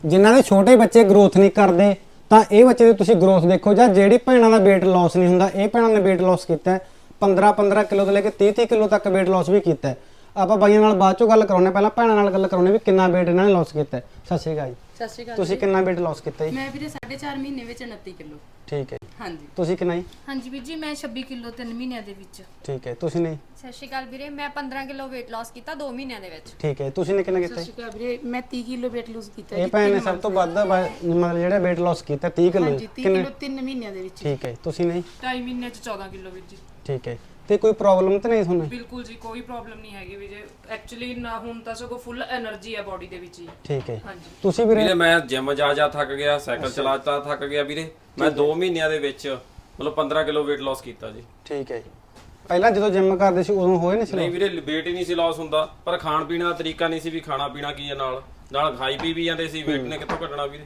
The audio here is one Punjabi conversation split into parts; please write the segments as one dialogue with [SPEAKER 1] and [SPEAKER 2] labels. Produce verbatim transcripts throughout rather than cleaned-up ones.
[SPEAKER 1] ਜਿਨ੍ਹਾਂ ਦੇ ਛੋਟੇ ਬੱਚੇ ਗਰੋਥ ਨਹੀਂ ਕਰਦੇ ਤਾਂ ਇਹ ਬੱਚੇ ਦੀ ਤੁਸੀਂ ਗਰੋਥ ਦੇਖੋ, ਜਾਂ ਜਿਹੜੀ ਭੈਣਾਂ ਦਾ weight loss ਨਹੀਂ ਹੁੰਦਾ, ਇਹ ਭੈਣਾਂ ਨੇ weight loss ਕੀਤਾ ਪੰਦਰਾਂ ਪੰਦਰਾਂ ਕਿਲੋ ਤੋਂ ਲੈ ਕੇ ਤੀਹ ਤੀਹ ਕਿਲੋ ਤੱਕ weight loss ਵੀ ਕੀਤਾ। ਆਪਾਂ ਬਾਈਆਂ ਨਾਲ ਬਾਅਦ ਚੋਂ ਗੱਲ ਕਰਾਉਣੇ, ਪਹਿਲਾਂ ਭੈਣਾਂ ਨਾਲ ਗੱਲ ਕਰਾਉਣੇ ਵੀ ਕਿੰਨਾ weight ਇਹਨਾਂ ਨੇ loss ਕੀਤਾ। ਸਤਿ ਸ਼੍ਰੀ ਅਕਾਲ ਜੀ।
[SPEAKER 2] ਸਤਿ ਸ਼੍ਰੀ ਅਕਾਲ।
[SPEAKER 1] ਤੁਸੀਂ ਕਿੰਨਾ weight loss ਕੀਤਾ ਜੀ?
[SPEAKER 2] ਮੈਂ ਵੀਰੇ ਸਾਢੇ ਚਾਰ ਮਹੀਨੇ ਵਿੱਚ ਉਨੱਤੀ ਕਿਲੋ।
[SPEAKER 1] ਠੀਕ ਹੈ।
[SPEAKER 2] ਹਾਂਜੀ।
[SPEAKER 1] ਤੁਸੀਂ ਕਿੰਨਾ ਜੀ?
[SPEAKER 2] ਹਾਂਜੀ ਵੀਰ ਜੀ ਮੈਂ ਛੱਬੀ ਕਿਲੋ ਤਿੰਨ ਮਹੀਨਿਆਂ ਦੇ ਵਿੱਚ।
[SPEAKER 1] ਠੀਕ ਹੈ। ਤੁਸੀਂ ਨਹੀਂ?
[SPEAKER 3] ਸਤਿ ਸ਼੍ਰੀ ਅਕਾਲ ਵੀਰੇ, ਮੈਂ ਪੰਦਰਾਂ ਕਿਲੋ weight loss ਕੀਤਾ ਦੋ ਮਹੀਨਿਆਂ ਦੇ ਵਿੱਚ।
[SPEAKER 1] ਠੀਕ ਹੈ। ਤੁਸੀਂ ਨੇ ਕਿੰਨਾ ਕੀਤਾ?
[SPEAKER 2] ਸਤਿ ਸ਼੍ਰੀ ਅਕਾਲ ਵੀਰੇ, ਮੈਂ ਤੀਹ ਕਿਲੋ weight lose ਕੀਤਾ।
[SPEAKER 1] ਇਹ ਭੈਣ ਨੇ ਸਭ ਤੋਂ ਵੱਧ ਮਤਲਬ ਜਿਹੜਾ weight loss ਕੀਤਾ ਤੀਹ ਕਿਲੋ।
[SPEAKER 2] ਹਾਂਜੀ ਤੀਹ ਕਿਲੋ ਤਿੰਨ ਮਹੀਨਿਆਂ ਦੇ ਵਿੱਚ।
[SPEAKER 1] ਠੀਕ ਹੈ। ਤੁਸੀਂ ਨਹੀਂ?
[SPEAKER 4] ਢਾਈ ਮਹੀਨੇ ਚ ਚੌਦਾਂ ਕਿਲੋ ਵੀਰ ਜੀ।
[SPEAKER 1] ਠੀਕ ਹੈ। ਤੇ ਕੋਈ ਪ੍ਰੋਬਲਮ ਤਾਂ ਨਹੀਂ ਤੁਹਾਨੂੰ?
[SPEAKER 4] ਬਿਲਕੁਲ ਜੀ, ਕੋਈ ਪ੍ਰੋਬਲਮ ਨਹੀਂ ਹੈਗੀ ਵੀਰੇ। ਐਕਚੁਅਲੀ ਨਾ ਹੁਣ ਤਾਂ ਸਗੋਂ ਫੁੱਲ એનર્ਜੀ ਹੈ ਬਾਡੀ ਦੇ ਵਿੱਚ ਜੀ।
[SPEAKER 1] ਠੀਕ ਹੈ।
[SPEAKER 4] ਹਾਂਜੀ।
[SPEAKER 1] ਤੁਸੀਂ ਵੀਰੇ?
[SPEAKER 5] ਵੀਰੇ ਮੈਂ ਜਿਮ ਜਾ ਜਾ ਥੱਕ ਗਿਆ, ਸਾਈਕਲ ਚਲਾ ਚਲਾ ਥੱਕ ਗਿਆ ਵੀਰੇ। ਮੈਂ ਦੋ ਮਹੀਨਿਆਂ ਦੇ ਵਿੱਚ ਮਤਲਬ ਪੰਦਰਾਂ ਕਿਲੋ weight loss ਕੀਤਾ ਜੀ।
[SPEAKER 1] ਠੀਕ ਹੈ। ਪਹਿਲਾਂ ਜਦੋਂ ਜਿਮ ਕਰਦੇ ਸੀ ਉਦੋਂ ਹੋਏ ਨਹੀਂ ਸੀ?
[SPEAKER 5] ਨਹੀਂ ਵੀਰੇ, weight ਹੀ ਨਹੀਂ ਸੀ loss ਹੁੰਦਾ, ਪਰ ਖਾਣ ਪੀਣ ਦਾ ਤਰੀਕਾ ਨਹੀਂ ਸੀ ਵੀ ਖਾਣਾ ਪੀਣਾ ਕੀ ਹੈ, ਨਾਲ ਨਾਲ ਖਾਈ ਪੀ ਵੀ ਜਾਂਦੇ ਸੀ, weight ਨੇ ਕਿੱਥੋਂ ਘਟਣਾ ਵੀਰੇ।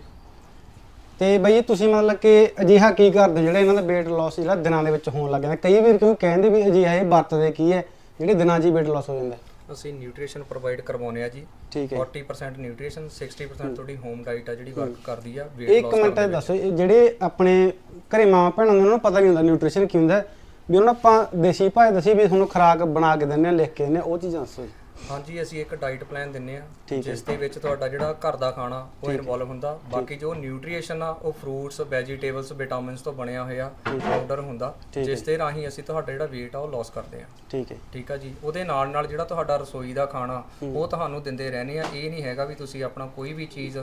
[SPEAKER 1] ਤੇ ਬਈ ਤੁਸੀਂ ਮਤਲਬ ਕਿ ਅਜਿਹਾ ਕੀ ਕਰਦੇ ਜਿਹੜਾ ਇਹਨਾਂ ਦਾ weight loss ਜਿਹੜਾ ਦਿਨਾਂ ਦੇ ਵਿੱਚ ਹੋਣ ਲੱਗ ਜਾਂਦਾ? ਕਈ ਵਾਰ ਕਿਉਂ ਕਹਿੰਦੇ ਵੀ ਅਜਿਹਾ ਇਹ ਵਰਤਦੇ ਕੀ ਹੈ ਜਿਹੜੇ ਦਿਨਾਂ 'ਚ ਹੀ weight loss ਹੋ ਜਾਂਦਾ?
[SPEAKER 6] ਅਸੀਂ ਨਿਊਟ੍ਰੀਸ਼ਨ ਪ੍ਰੋਵਾਈਡ ਕਰਵਾਉਂਦੇ ਆ ਜੀ।
[SPEAKER 1] ਠੀਕ ਹੈ।
[SPEAKER 6] ਚਾਲੀ ਪਰਸੈਂਟ ਨਿਊਟ੍ਰੀਸ਼ਨ, ਸਾਠ ਪਰਸੈਂਟ ਤੁਹਾਡੀ ਹੋਮ ਡਾਈਟ ਆ ਜਿਹੜੀ ਵਰਕ ਕਰਦੀ ਆ weight
[SPEAKER 1] ਇੱਕ
[SPEAKER 6] loss
[SPEAKER 1] ਮਿੰਟ
[SPEAKER 6] ਕਰਨ ਦੇ
[SPEAKER 1] ਦੱਸੋ, ਇਹ ਜਿਹੜੇ ਆਪਣੇ ਘਰੇ ਮਾਂ ਭੈਣਾਂ ਨੇ ਉਹਨਾਂ ਨੂੰ ਪਤਾ ਨਹੀਂ ਹੁੰਦਾ ਨਿਊਟ੍ਰੀਸ਼ਨ ਕੀ ਹੁੰਦਾ, ਵੀ ਉਹਨਾਂ ਆਪਾਂ ਦੇਸੀ ਭਾਈ ਦੱਸੀ ਵੀ ਤੁਹਾਨੂੰ ਖੁਰਾਕ ਬਣਾ ਕੇ ਦਿੰਦੇ ਆ, ਲਿਖ ਕੇ ਦਿੰਦੇ ਆ, ਉਹ ਚੀਜ਼ਾਂ ਦੱਸੋ।
[SPEAKER 6] ਹਾਂਜੀ, ਅਸੀਂ ਇੱਕ ਡਾਈਟ ਪਲਾਨ ਦਿੰਨੇ ਆ
[SPEAKER 1] ਠੀਕ ਹੈ।
[SPEAKER 6] ਜਿਸ ਦੇ ਵਿੱਚ ਤੁਹਾਡਾ ਜਿਹੜਾ ਘਰ ਦਾ ਖਾਣਾ ਉਹ ਇਨਵੋਲਵ ਹੁੰਦਾ। ਬਾਕੀ ਜੋ ਨਿਊਟ੍ਰੀਸ਼ਨ ਆ ਉਹ ਫਰੂਟਸ, ਵੈਜੀਟੇਬਲਸ, ਵਿਟਾਮਿਨਸ ਤੋਂ ਬਣਿਆ ਹੋਇਆ ਪਾਊਡਰ ਹੁੰਦਾ, ਜਿਸ ਦੇ ਰਾਹੀਂ ਅਸੀਂ ਤੁਹਾਡਾ ਜਿਹੜਾ weight ਆ ਉਹ ਲਾਸ ਕਰਦੇ ਆ।
[SPEAKER 1] ਠੀਕ ਹੈ।
[SPEAKER 6] ਠੀਕ ਆ ਜੀ। ਉਹਦੇ ਨਾਲ ਨਾਲ ਜਿਹੜਾ ਤੁਹਾਡਾ ਰਸੋਈ ਦਾ ਖਾਣਾ ਉਹ ਤੁਹਾਨੂੰ ਦਿੰਦੇ ਰਹਿੰਦੇ ਆ। ਇਹ ਨਹੀਂ ਹੈਗਾ ਵੀ ਤੁਸੀਂ ਆਪਣਾ ਕੋਈ ਵੀ ਚੀਜ਼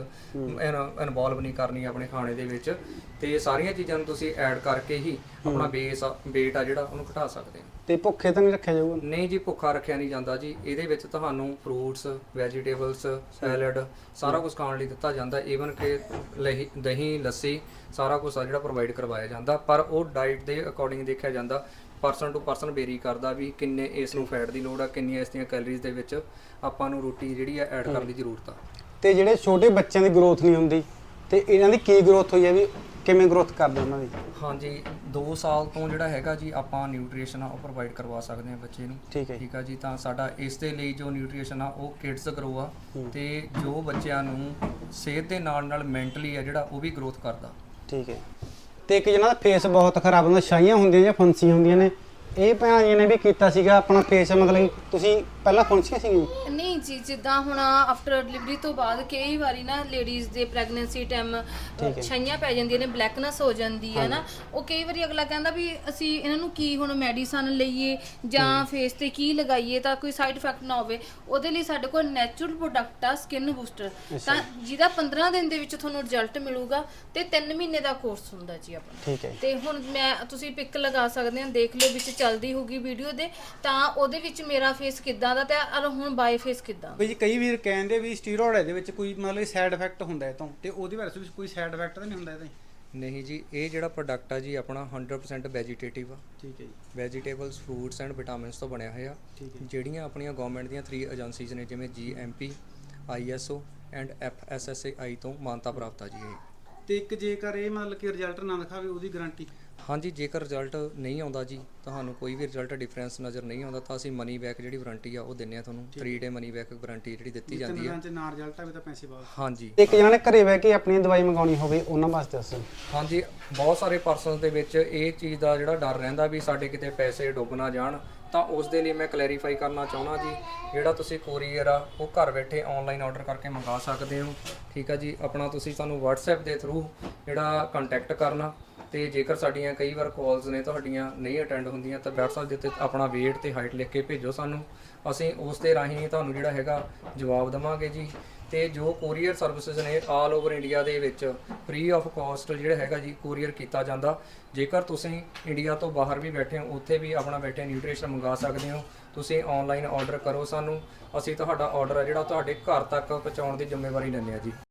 [SPEAKER 6] ਇਨਵੋਲਵ ਨਹੀਂ ਕਰਨੀ ਆਪਣੇ ਖਾਣੇ ਦੇ ਵਿੱਚ, ਤੇ ਸਾਰੀਆਂ ਚੀਜ਼ਾਂ ਨੂੰ ਤੁਸੀਂ ਐਡ ਕਰਕੇ ਹੀ ਆਪਣਾ ਬੇਸ weight ਆ ਜਿਹੜਾ ਉਹਨੂੰ ਘਟਾ ਸਕਦੇ ਆ।
[SPEAKER 1] ਤੇ ਭੁੱਖੇ ਤਾਂ ਨਹੀਂ ਰੱਖਿਆ ਜਾਊਗਾ?
[SPEAKER 6] ਨਹੀਂ ਜੀ, ਭੁੱਖਾ ਰੱਖਿਆ ਨਹੀਂ ਜਾਂਦਾ ਜੀ। ਇਹਦੇ ਵਿੱਚ ਤੁਹਾਨੂੰ ਫਰੂਟਸ, ਵੈਜੀਟੇਬਲਸ, ਸੈਲਡ ਸਾਰਾ ਕੁਝ ਖਾਣ ਲਈ ਦਿੱਤਾ ਜਾਂਦਾ। ਈਵਨ ਕਿ ਲਹੀ ਦਹੀਂ, ਲੱਸੀ ਸਾਰਾ ਕੁਝ ਆ ਜਿਹੜਾ ਪ੍ਰੋਵਾਈਡ ਕਰਵਾਇਆ ਜਾਂਦਾ, ਪਰ ਉਹ ਡਾਈਟ ਦੇ ਅਕੋਰਡਿੰਗ ਦੇਖਿਆ ਜਾਂਦਾ। ਪਰਸਨ ਟੂ ਪਰਸਨ ਵੇਰੀ ਕਰਦਾ ਵੀ ਕਿੰਨੇ ਇਸ ਨੂੰ ਫੈਟ ਦੀ ਲੋੜ ਆ, ਕਿੰਨੀਆਂ ਇਸ ਦੀਆਂ ਕੈਲਰੀਜ਼ ਦੇ ਵਿੱਚ ਆਪਾਂ ਨੂੰ ਰੋਟੀ ਜਿਹੜੀ ਆ ਐਡ ਕਰਨ ਦੀ ਜ਼ਰੂਰਤ ਆ।
[SPEAKER 1] ਤੇ ਜਿਹੜੇ ਛੋਟੇ ਬੱਚਿਆਂ ਦੀ ਗਰੋਥ ਨਹੀਂ ਹੁੰਦੀ ਤੇ ਇਹਨਾਂ ਦੀ ਕੀ ਗਰੋਥ ਹੋਈ ਹੈ, ਵੀ ਕਿਵੇਂ ਗਰੋਥ ਕਰਦੇ ਉਹਨਾਂ ਦੀ?
[SPEAKER 6] ਹਾਂਜੀ, ਦੋ ਸਾਲ ਤੋਂ ਜਿਹੜਾ ਹੈਗਾ ਜੀ ਆਪਾਂ ਨਿਊਟ੍ਰੀਸ਼ਨ ਆ ਉਹ ਪ੍ਰੋਵਾਈਡ ਕਰਵਾ ਸਕਦੇ ਹਾਂ ਬੱਚੇ ਨੂੰ।
[SPEAKER 1] ਠੀਕ ਹੈ।
[SPEAKER 6] ਠੀਕ ਆ ਜੀ। ਤਾਂ ਸਾਡਾ ਇਸ ਦੇ ਲਈ ਜੋ ਨਿਊਟ੍ਰੀਸ਼ਨ ਆ ਉਹ ਕਿਡਸ ਗਰੋ ਆ, ਤੇ ਜੋ ਬੱਚਿਆਂ ਨੂੰ ਸਿਹਤ ਦੇ ਨਾਲ ਨਾਲ ਮੈਂਟਲੀ ਆ ਜਿਹੜਾ ਉਹ ਵੀ ਗਰੋਥ ਕਰਦਾ।
[SPEAKER 1] ਠੀਕ ਹੈ। ਤੇ ਇੱਕ ਜਿਹਨਾਂ ਦਾ ਫੇਸ ਬਹੁਤ ਖਰਾਬ ਹੁੰਦਾ, ਛਾਈਆਂ ਹੁੰਦੀਆਂ ਜਾਂ ਫੁੰਸੀਆਂ ਹੁੰਦੀਆਂ ਨੇ, ਇਹ ਭੈਣਾਂ ਜੀ ਨੇ ਵੀ ਕੀਤਾ ਸੀਗਾ ਆਪਣਾ ਫੇਸ, ਮਤਲਬ ਤੁਸੀਂ ਪਹਿਲਾਂ ਫੁੰਸੀਆਂ ਸੀ?
[SPEAKER 2] ਨਹੀਂ ਜੀ, ਜਿੱਦਾਂ ਹੁਣ ਆਫਟਰ ਡਿਲੀਵਰੀ ਤੋਂ ਬਾਅਦ ਕਈ ਵਾਰੀ ਨਾ ਲੇਡੀਜ਼ ਦੇ ਪ੍ਰੈਗਨੈਂਸੀ ਟਾਈਮ ਛਾਈਆਂ ਪੈ ਜਾਂਦੀਆਂ ਨੇ, ਬਲੈਕਨੈਸ ਹੋ ਜਾਂਦੀ ਹੈ ਨਾ। ਉਹ ਕਈ ਵਾਰੀ ਅਗਲਾ ਕਹਿੰਦਾ ਵੀ ਅਸੀਂ ਇਹਨਾਂ ਨੂੰ ਕੀ ਹੁਣ ਮੈਡੀਸਨ ਲਈਏ ਜਾਂ ਫੇਸ ਤੇ ਕੀ ਲਗਾਈਏ ਤਾਂ ਕੋਈ ਸਾਈਡ ਇਫੈਕਟ ਨਾ ਹੋਵੇ। ਉਹਦੇ ਲਈ ਸਾਡੇ ਕੋਲ ਨੈਚੁਰਲ ਪ੍ਰੋਡਕਟ ਆ ਸਕਿਨ ਬੂਸਟਰ, ਤਾਂ ਜਿਹਦਾ ਪੰਦਰਾਂ ਦਿਨ ਦੇ ਵਿੱਚ ਤੁਹਾਨੂੰ ਰਿਜ਼ਲਟ ਮਿਲੂਗਾ ਤੇ ਤਿੰਨ ਮਹੀਨੇ ਦਾ ਕੋਰਸ ਹੁੰਦਾ ਜੀ ਆਪਣਾ।
[SPEAKER 1] ਠੀਕ ਹੈ।
[SPEAKER 2] ਤੇ ਹੁਣ ਮੈਂ ਤੁਸੀਂ ਪਿਕ ਲਗਾ ਸਕਦੇ ਹੋ, ਦੇਖ ਲਿਓ ਵਿੱਚ ਚੱਲਦੀ ਹੋਊਗੀ ਵੀਡੀਓ ਦੇ, ਤਾਂ ਉਹਦੇ ਵਿੱਚ ਮੇਰਾ ਫੇਸ ਕਿੱਦਾਂ ਦਾ ਤੇ ਹੁਣ ਬਾਈ ਫੇਸ ਕਿੱਦਾਂ।
[SPEAKER 1] ਬਈ ਜੀ ਕਈ ਵੀਰ ਕਹਿੰਦੇ ਵੀ ਸਟੀਰੋਇਡ ਦੇ ਵਿੱਚ ਕੋਈ ਮਤਲਬ ਸਾਈਡ ਇਫੈਕਟ ਹੁੰਦਾ ਹੈ, ਤਾਂ ਤੇ ਉਹਦੇ ਬਾਰੇ ਵਿੱਚ ਕੋਈ ਸਾਈਡ ਇਫੈਕਟ ਤਾਂ ਨਹੀਂ ਹੁੰਦਾ ਇਹਦਾ?
[SPEAKER 6] ਨਹੀਂ ਜੀ, ਇਹ ਜਿਹੜਾ ਪ੍ਰੋਡਕਟ ਆ ਜੀ ਆਪਣਾ ਹੰਡਰਡ ਪਰਸੈਂਟ ਵੈਜੀਟੇਟਿਵ ਆ।
[SPEAKER 1] ਠੀਕ ਹੈ ਜੀ।
[SPEAKER 6] ਵੈਜੀਟੇਬਲਸ, ਫਰੂਟਸ ਐਂਡ ਵਿਟਾਮਿਨਸ ਤੋਂ ਬਣਿਆ ਹੋਇਆ, ਜਿਹੜੀਆਂ ਆਪਣੀਆਂ ਗਵਰਨਮੈਂਟ ਦੀਆਂ ਥਰੀ ਏਜੰਸੀਜ਼ ਨੇ, ਜਿਵੇਂ G M P, I S O and F S S A I ਤੋਂ ਮਾਨਤਾ ਪ੍ਰਾਪਤ ਆ ਜੀ ਇਹ।
[SPEAKER 1] ਤੇ ਇੱਕ ਜੇਕਰ ਇਹ ਮਤਲਬ ਕਿ ਰਿਜ਼ਲਟ ਨਾ ਦਿਖਾਵੇ ਉਹਦੀ ਗਾਰੰਟੀ?
[SPEAKER 6] ਹਾਂਜੀ, ਜੇਕਰ ਰਿਜ਼ਲਟ ਨਹੀਂ ਆਉਂਦਾ ਜੀ, ਤੁਹਾਨੂੰ ਕੋਈ ਵੀ ਰਿਜ਼ਲਟ ਡਿਫਰੈਂਸ ਨਜ਼ਰ ਨਹੀਂ ਆਉਂਦਾ, ਤਾਂ ਅਸੀਂ ਮਨੀ ਬੈਕ ਜਿਹੜੀ ਵਾਰੰਟੀ ਆ ਉਹ ਦਿੰਨੇ ਆ ਤੁਹਾਨੂੰ। Three day money back warranty ਜਿਹੜੀ ਦਿੱਤੀ ਜਾਂਦੀ ਹੈ।
[SPEAKER 1] ਨਾ ਰਿਜ਼ਲਟ ਆਵੇ ਤਾਂ ਪੈਸੇ ਵਾਪਸ? ਹਾਂਜੀ। ਇੱਕ ਜਿਹਨਾਂ ਨੇ ਘਰੇ ਬਹਿ ਕੇ ਆਪਣੀ ਦਵਾਈ ਮੰਗਾਉਣੀ ਹੋਵੇ ਉਹਨਾਂ ਵਾਸਤੇ ਦੱਸੋ।
[SPEAKER 6] ਹਾਂਜੀ, ਬਹੁਤ ਸਾਰੇ ਪਰਸਨਸ ਦੇ ਵਿੱਚ ਇਹ ਚੀਜ਼ ਦਾ ਜਿਹੜਾ ਡਰ ਰਹਿੰਦਾ ਵੀ ਸਾਡੇ ਕਿਤੇ ਪੈਸੇ ਡੁੱਬ ਨਾ ਜਾਣ, ਤਾਂ ਉਸ ਦੇ ਲਈ ਮੈਂ ਕਲੈਰੀਫਾਈ ਕਰਨਾ ਚਾਹੁੰਦਾ ਜੀ, ਜਿਹੜਾ ਤੁਸੀਂ ਕੋਰੀਅਰ ਆ ਉਹ ਘਰ ਬੈਠੇ ਆਨਲਾਈਨ ਆਰਡਰ ਕਰਕੇ ਮੰਗਾ ਸਕਦੇ ਹੋ। ਠੀਕ ਆ ਜੀ। ਆਪਣਾ ਤੁਸੀਂ ਸਾਨੂੰ WhatsApp ਦੇ ਥਰੂ ਜਿਹੜਾ ਕੰਟੈਕਟ ਕਰਨਾ, ਤੇ ਜੇਕਰ ਸਾਡੀਆਂ ਕਈ ਵਾਰ ਕਾਲਸ ਨੇ ਤੁਹਾਡੀਆਂ ਨਹੀਂ ਅਟੈਂਡ ਹੁੰਦੀਆਂ ਤਾਂ WhatsApp ਦੇ ਉੱਤੇ ਆਪਣਾ weight ਤੇ ਹਾਈਟ ਲਿਖ ਕੇ ਭੇਜੋ ਸਾਨੂੰ, ਅਸੀਂ ਉਸ ਦੇ ਰਾਹੀਂ ਤੁਹਾਨੂੰ ਜਿਹੜਾ ਹੈਗਾ ਜਵਾਬ ਦੇਵਾਂਗੇ ਜੀ। ਤੇ ਜੋ ਕੋਰੀਅਰ ਸਰਵਿਸਿਜ਼ ਨੇ ਆਲ ਓਵਰ ਇੰਡੀਆ ਦੇ ਵਿੱਚ ਫ੍ਰੀ ਆਫ ਕਾਸਟ ਜਿਹੜਾ ਹੈਗਾ ਜੀ ਕੋਰੀਅਰ ਕੀਤਾ ਜਾਂਦਾ। ਜੇਕਰ ਤੁਸੀਂ ਇੰਡੀਆ ਤੋਂ ਬਾਹਰ ਵੀ ਬੈਠੇ ਹੋ, ਉੱਥੇ ਵੀ ਆਪਣਾ ਬੈਠੇ ਨਿਊਟ੍ਰੀਸ਼ਨ ਮੰਗਾ ਸਕਦੇ ਹੋ। ਤੁਸੀਂ ਆਨਲਾਈਨ ਆਰਡਰ ਕਰੋ ਸਾਨੂੰ, ਅਸੀਂ ਤੁਹਾਡਾ ਆਰਡਰ ਆ ਜਿਹੜਾ ਤੁਹਾਡੇ ਘਰ ਤੱਕ ਪਹੁੰਚਾਉਣ ਦੀ ਜ਼ਿੰਮੇਵਾਰੀ ਲੈਂਦੇ ਹਾਂ ਜੀ।